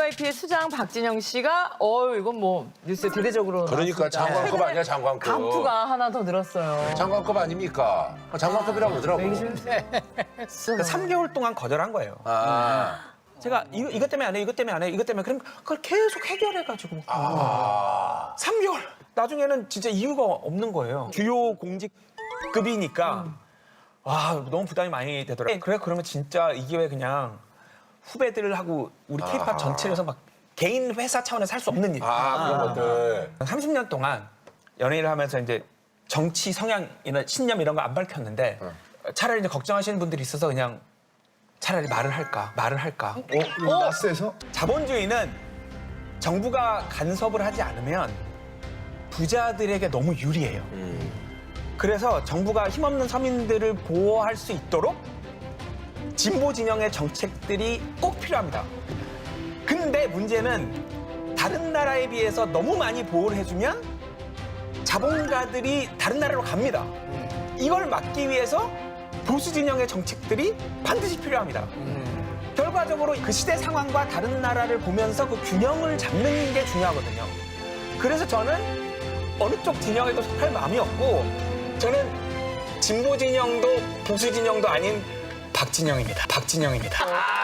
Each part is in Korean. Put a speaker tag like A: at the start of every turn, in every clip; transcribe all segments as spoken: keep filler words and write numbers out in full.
A: 브이아이피의 수장 박진영 씨가 어 이건 뭐 뉴스에 대대적으로
B: 그러니까
A: 나왔습니다.
B: 장관급
A: 최근에
B: 아니야, 장관급.
A: 간부가 하나 더 늘었어요.
B: 장관급 아닙니까? 장관급이라고 그러더라고.
C: 그러니까 삼 개월 동안 거절한 거예요.
B: 아.
C: 제가 이거, 이것 때문에 안 해, 이것 때문에 안 해, 이것 때문에 그럼 그걸 계속 해결해가지고
B: 아.
C: 삼 개월. 나중에는 진짜 이유가 없는 거예요. 주요 공직급이니까 와 너무 부담이 많이 되더라고요. 그래 그러면 진짜 이 기회에 그냥 후배들하고 우리 K-팝 전체에서 막 개인 회사 차원에서 할 수 없는 일.
B: 아, 그런 것들.
C: 삼십 년 동안 연예인을 하면서 이제 정치 성향이나 신념 이런 거 안 밝혔는데 차라리 이제 걱정하시는 분들이 있어서 그냥 차라리 말을 할까, 말을 할까.
D: 어? 이거 나스에서?
C: 자본주의는 정부가 간섭을 하지 않으면 부자들에게 너무 유리해요. 그래서 정부가 힘없는 서민들을 보호할 수 있도록 진보 진영의 정책들이 꼭 필요합니다. 근데 문제는 다른 나라에 비해서 너무 많이 보호를 해주면 자본가들이 다른 나라로 갑니다. 이걸 막기 위해서 보수 진영의 정책들이 반드시 필요합니다. 결과적으로 그 시대 상황과 다른 나라를 보면서 그 균형을 잡는 게 중요하거든요. 그래서 저는 어느 쪽 진영에도 속할 마음이 없고 저는 진보 진영도 보수 진영도 아닌 박진영입니다. 박진영입니다.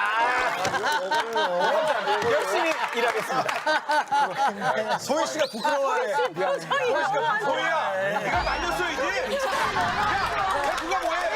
C: 열심히 일하겠습니다.
D: 소희 씨가 부끄러워해.
A: 표정이 너무 안 좋아.
D: 소희야, 네가 말렸어야지. 야, 누가 뭐해?